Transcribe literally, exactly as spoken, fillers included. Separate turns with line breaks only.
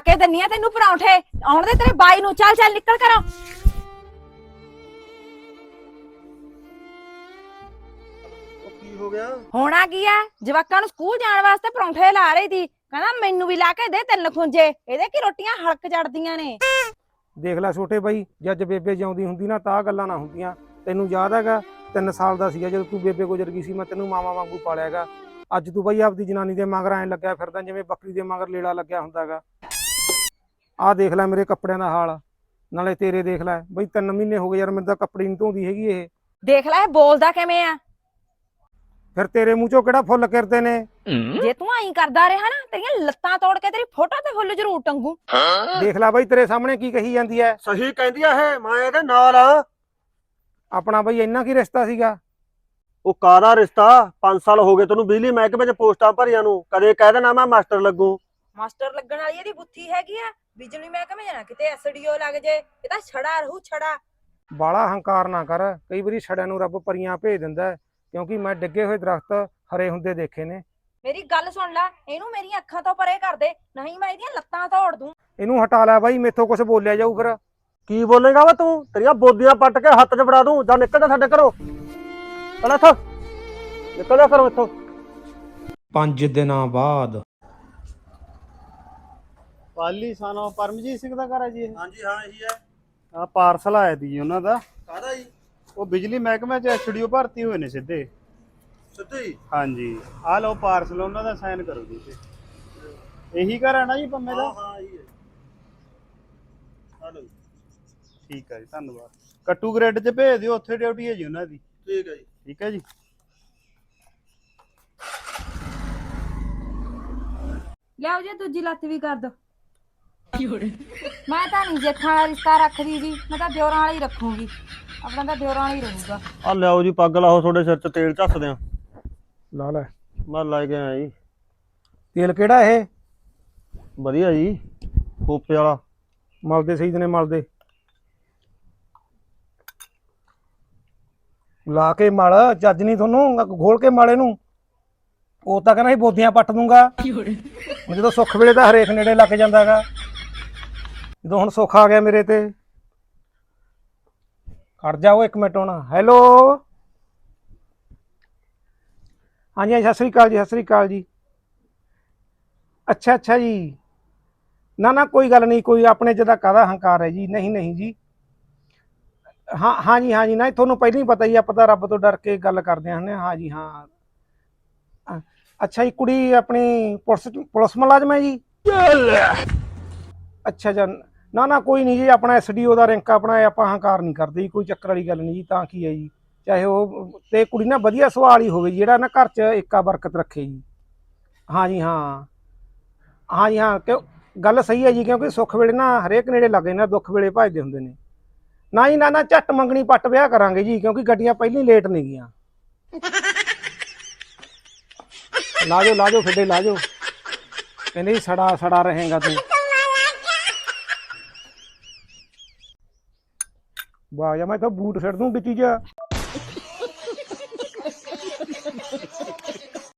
ਕੇ ਦਿੰਨੀ ਆ ਤੈਨੂੰ ਪਰੌਂਠੇ। ਆਉਣ ਦੇ ਤੇਰੇ ਬਾਈ ਨੂੰ। ਚੱਲ ਚੱਲ ਨਿਕਲ ਕਰੋ।
ਕੀ ਹੋ ਗਿਆ?
ਹੋਣਾ ਕੀ ਆ, ਜਵਾਕਾਂ ਨੂੰ ਸਕੂਲ ਜਾਣ ਵਾਸਤੇ ਪਰੌਂਠੇ ਲਾ ਰਹੀ ਸੀ। ਕਹਿੰਦਾ ਮੈਨੂੰ ਵੀ ਲਾ ਕੇ ਦੇ ਤਿੰਨ ਖੁੰਜੇ। ਇਹਦੇ ਕੀ ਰੋਟੀਆਂ ਹਲਕ ਚੜਦੀਆਂ ਨੇ।
ਦੇਖ ਲੈ ਛੋਟੇ ਬਾਈ, ਜੱਜ ਬੇਬੇ ਜਿਉਂਦੀ ਹੁੰਦੀ ਨਾ ਤਾਂ ਗੱਲਾਂ ਨਾ ਹੁੰਦੀਆਂ। ਤੈਨੂੰ ਯਾਦ ਹੈਗਾ ਤਿੰਨ ਸਾਲ ਦਾ ਸੀਗਾ ਜਦੋਂ ਤੂੰ ਬੇਬੇ ਗੁਜ਼ਰ ਗਈ ਸੀ, ਮੈਂ ਤੈਨੂੰ ਮਾਵਾ ਵਾਂਗੂ ਪਾਲਿਆ ਹੈਗਾ। ਅੱਜ ਤੂੰ ਬਾਈ ਆਪਦੀ ਜਨਾਨੀ ਦੇ ਮਗਰ ਐਂ ਲੱਗਿਆ ਫਿਰਦਾ ਜਿਵੇਂ ਬੱਕਰੀ ਦੇ ਮਗਰ ਲੇੜਾ ਲੱਗਿਆ ਹੁੰਦਾ ਹੈਗਾ। ਆਹ ਦੇਖ ਲੈ ਮੇਰੇ ਕੱਪੜਿਆਂ ਦਾ ਹਾਲ, ਨਾਲੇ ਤੇਰੇ ਦੇਖ ਲੈ ਬਈ। ਤਿੰਨ ਮਹੀਨੇ ਹੋ ਗਏ ਯਾਰ ਮੈਨੂੰ ਤਾਂ ਕੱਪੜੇ ਨਹੀਂ ਧੋਂਦੀ ਹੈਗੀ ਇਹ।
ਦੇਖ ਲੈ ਇਹ ਬੋਲਦਾ ਕਿਵੇਂ ਆ।
ਫਿਰ ਤੇਰੇ ਮੂੰਹ ਚੋਂ ਕਿਹੜਾ ਫੁੱਲ ਕਿਰਦੇ ਨੇ?
ਜੇ ਤੂੰ ਐਂ ਕਰਦਾ ਰਿਹਾ ਨਾ, ਤੇਰੀਆਂ ਲੱਤਾਂ ਤੋੜ ਕੇ ਤੇਰੀ ਫੋਟੋ ਤੇ ਫੁੱਲ ਜ਼ਰੂਰ ਟੰਗੂ।
ਦੇਖ ਲੈ ਬਾਈ ਤੇਰੇ ਸਾਹਮਣੇ ਕੀ ਕਹੀ ਜਾਂਦੀ ਹੈ।
ਸਹੀ ਕਹਿੰਦੀ ਆ ਇਹ, ਮੈਂ ਇਹਦੇ ਨਾਲ ਆ।
ਆਪਣਾ ਬਾਈ ਇੰਨਾ ਕੀ ਰਿਸ਼ਤਾ ਸੀਗਾ?
ਉਹ ਕਾਹਦਾ ਰਿਸ਼ਤਾ? ਪੰਜ ਸਾਲ ਹੋ ਗਏ ਤੈਨੂੰ ਬਿਜਲੀ ਮਹਿਕਮੇ ਚ ਪੋਸਟਾਂ ਭਰੀਆਂ ਨੂੰ। ਕਦੇ ਕਹਿ ਦੇਣਾ ਮੈਂ ਮਾਸਟਰ ਲੱਗੂ।
ਮਾਸਟਰ ਲੱਗਣ ਵਾਲੀ ਇਹਦੀ ਬੁੱਥੀ ਹੈਗੀ ਆ। ਬਿਜਲੀ ਮਹਿਕਮੇ ਜਾਣਾ ਕਿਤੇ ਐਸਡੀਓ ਲੱਗ ਜੇ। ਇਹ ਤਾਂ ਛੜਾ ਰਹੂ ਛੜਾ।
ਬਾਲਾ ਹੰਕਾਰ ਨਾ ਕਰ। ਕਈ ਵਾਰੀ ਛੜਿਆਂ ਨੂੰ ਰੱਬ ਪਰੀਆਂ ਭੇਜ ਦਿੰਦਾ, ਕਿਉਂਕਿ ਮੈਂ ਡਿੱਗੇ ਹੋਏ ਦਰਖਤ ਹਰੇ ਹੁੰਦੇ ਦੇਖੇ ਨੇ।
ਮੇਰੀ ਗੱਲ ਸੁਣ ਲੈ, ਇਹਨੂੰ ਮੇਰੀਆਂ ਅੱਖਾਂ ਤੋਂ ਪਰੇ ਕਰ ਦੇ, ਨਹੀਂ ਮੈਂ ਇਹਦੀਆਂ ਲੱਤਾਂ ਤੋੜ ਦੂੰ।
ਇਹਨੂੰ ਹਟਾ ਲੈ ਬਾਈ, ਮੇਥੋਂ ਕੁਝ ਬੋਲਿਆ ਜਾਊ ਫਿਰ।
ਕੀ ਬੋਲੇਗਾ ਵਾ ਤੂੰ? ਤੇਰੀਆਂ ਬੋਦੀਆਂ ਪੱਟ ਕੇ ਹੱਥ 'ਚ ਫੜਾ ਦੂੰ। ਜਾਂ ਨਿਕਲ ਜਾ ਸਾਡੇ ਘਰੋਂ। ਚਲ ਇੱਥੋਂ ਨਿਕਲ ਜਾ ਘਰੋਂ ਇੱਥੋਂ।
ਪੰਜ ਦਿਨਾਂ ਬਾਅਦ
ਪਾਲੀ ਸਾਨੋ ਪਰਮਜੀਤ ਸਿੰਘ ਦਾ ਘਰ ਹੈ ਜੀ ਇਹ।
ਹਾਂਜੀ ਹਾਂ ਇਹੀ ਹੈ।
ਆ ਪਾਰਸਲ ਆਇਆ ਦੀ ਜੀ ਉਹਨਾਂ ਦਾ।
ਕਾਹਦਾ ਜੀ?
ਉਹ ਬਿਜਲੀ ਮਹਿਕਮੇ ਚ ਐਸਡੀਓ ਭਰਤੀ ਹੋਏ ਨੇ ਸਿੱਧੇ।
ਸਿੱਧੇ ਹੀ?
ਹਾਂਜੀ ਆ ਲਓ ਪਾਰਸਲ, ਉਹਨਾਂ ਦਾ ਸਾਈਨ ਕਰੋ ਜੀ ਤੇ। ਇਹੀ ਘਰ ਹੈ ਨਾ ਜੀ ਪੰਮੇ ਦਾ?
ਹਾਂ ਇਹੀ ਹੈ। ਹਲੋ
ਠੀਕ ਹੈ ਜੀ, ਧੰਨਵਾਦ। ਕੱਟੂ ਗ੍ਰਿਡ ਚ ਭੇਜ ਦਿਓ, ਉੱਥੇ ਡਿਊਟੀ ਹੈ ਜੀ ਉਹਨਾਂ ਦੀ।
ਠੀਕ ਹੈ ਜੀ।
ਠੀਕ ਹੈ ਜੀ।
ਲਿਆਓ ਜੀ ਦੂਜੀ ਲੱਤ ਵੀ ਕਰ ਦੋ। ਮੈਂ ਤਾਂ ਨਹੀਂ ਜੇਠਾਂ ਵਾਲਾ ਰਿਸ਼ਤਾ ਰੱਖਦੀ ਜੀ, ਮੈਂ ਤਾਂ ਦਿਓਰਾਂ ਵਾਲਾ ਹੀ ਰੱਖੂਗੀ। ਆਪਣਾ ਤਾਂ ਦਿਓਰਾਂ ਵਾਲਾ ਹੀ ਰਹੂਗਾ।
ਆ ਲਿਆਓ ਜੀ ਪੱਗ ਲਾਓ, ਤੁਹਾਡੇ ਸਿਰ 'ਚ ਤੇਲ ਝੱਸਦੇ ਆ।
ਲਾ ਲੈ
ਮੈਂ ਲੈ ਕੇ ਆਇਆ ਜੀ।
ਤੇਲ ਕਿਹੜਾ ਇਹ?
ਵਧੀਆ ਜੀ, ਖੋਪੇ ਵਾਲਾ।
ਮਲਦੇ ਸਹੀ ਨੇ ਮਲਦੇ। ਲਾ ਕੇ ਮਲ, ਚੱਜ ਨਹੀਂ ਤੁਹਾਨੂੰ, ਘੋਲ ਕੇ ਮਲ ਇਹਨੂੰ। ਉਹ ਤਾਂ ਕਹਿੰਦਾ ਸੀ ਬੋਦੀਆਂ ਪੱਟ ਦੂੰਗਾ। ਜਦੋਂ ਸੁੱਖ ਵੇਲੇ ਤਾਂ ਹਰੇਕ ਨੇੜੇ ਲੱਗ ਜਾਂਦਾ ਹੈਗਾ। ਜਦੋਂ ਹੁਣ ਸੁੱਖ ਆ ਗਿਆ ਮੇਰੇ ਤੇ। ਖੜ ਜਾਓ ਇੱਕ ਮਿੰਟ ਹੁਣ। ਹੈਲੋ ਹਾਂਜੀ ਹਾਂਜੀ, ਸਤਿ ਸ੍ਰੀ ਅਕਾਲ ਜੀ, ਸਤਿ ਸ੍ਰੀ ਅਕਾਲ ਜੀ। ਅੱਛਾ ਅੱਛਾ ਜੀ, ਨਾ ਨਾ ਕੋਈ ਗੱਲ ਨਹੀਂ, ਕੋਈ ਆਪਣੇ 'ਚ ਤਾਂ ਕਾਹਦਾ ਹੰਕਾਰ ਹੈ ਜੀ। ਨਹੀਂ ਨਹੀਂ ਜੀ, ਹਾਂ ਹਾਂਜੀ ਹਾਂਜੀ, ਨਾ ਤੁਹਾਨੂੰ ਪਹਿਲਾਂ ਹੀ ਪਤਾ ਹੀ, ਆਪਾਂ ਤਾਂ ਰੱਬ ਤੋਂ ਡਰ ਕੇ ਗੱਲ ਕਰਦੇ ਹਾਂ। ਹਾਂਜੀ ਹਾਂ। ਅੱਛਾ ਜੀ, ਕੁੜੀ ਆਪਣੀ ਪੁਲਿਸ ਪੁਲਿਸ ਮੁਲਾਜ਼ਮ ਹੈ ਜੀ? ਅੱਛਾ ਅੱਛਾ, ਨਾ ਨਾ ਕੋਈ ਨਹੀਂ ਜੀ, ਆਪਣਾ ਐਸ ਡੀ ਓ ਦਾ ਰੈਂਕ ਆਪਣਾ, ਆਪਾਂ ਹੰਕਾਰ ਨਹੀਂ ਕਰਦੇ ਜੀ, ਕੋਈ ਚੱਕਰ ਵਾਲੀ ਗੱਲ ਨਹੀਂ ਜੀ। ਤਾਂ ਕੀ ਹੈ ਜੀ, ਚਾਹੇ ਉਹ ਤੇ ਕੁੜੀ ਨਾ ਵਧੀਆ ਸੁਭਾਅ ਹੀ ਹੋਵੇ, ਜਿਹੜਾ ਨਾ ਘਰ 'ਚ ਏਕਾ ਬਰਕਤ ਰੱਖੇ ਜੀ। ਹਾਂਜੀ ਹਾਂ ਹਾਂਜੀ ਹਾਂ, ਕਿਉਂ ਗੱਲ ਸਹੀ ਹੈ ਜੀ, ਕਿਉਂਕਿ ਸੁੱਖ ਵੇਲੇ ਨਾ ਹਰੇਕ ਨੇੜੇ ਲੱਗ ਜਾਂਦੇ, ਦੁੱਖ ਵੇਲੇ ਭੱਜਦੇ ਹੁੰਦੇ ਨੇ। ਨਾ ਜੀ ਨਾ ਨਾ, ਝੱਟ ਮੰਗਣੀ ਪੱਟ ਵਿਆਹ ਕਰਾਂਗੇ ਜੀ, ਕਿਉਂਕਿ ਗੱਡੀਆਂ ਪਹਿਲਾਂ ਹੀ ਲੇਟ ਨਹੀਂ ਗਈਆਂ। ਲਾ ਜਾਓ ਲਾ ਜਾਓ ਫਿੱਡੇ ਲਾ ਜਾਓ। ਕਹਿੰਦੇ ਜੀ ਸੜਾ ਸੜਾ ਰਹੇਗਾ ਤੂੰ। ਵਾਹ ਯਾ, ਮੈਂ ਤਾਂ ਬੂਟ ਛੱਡ ਦੂੰ ਵਿੱਚ।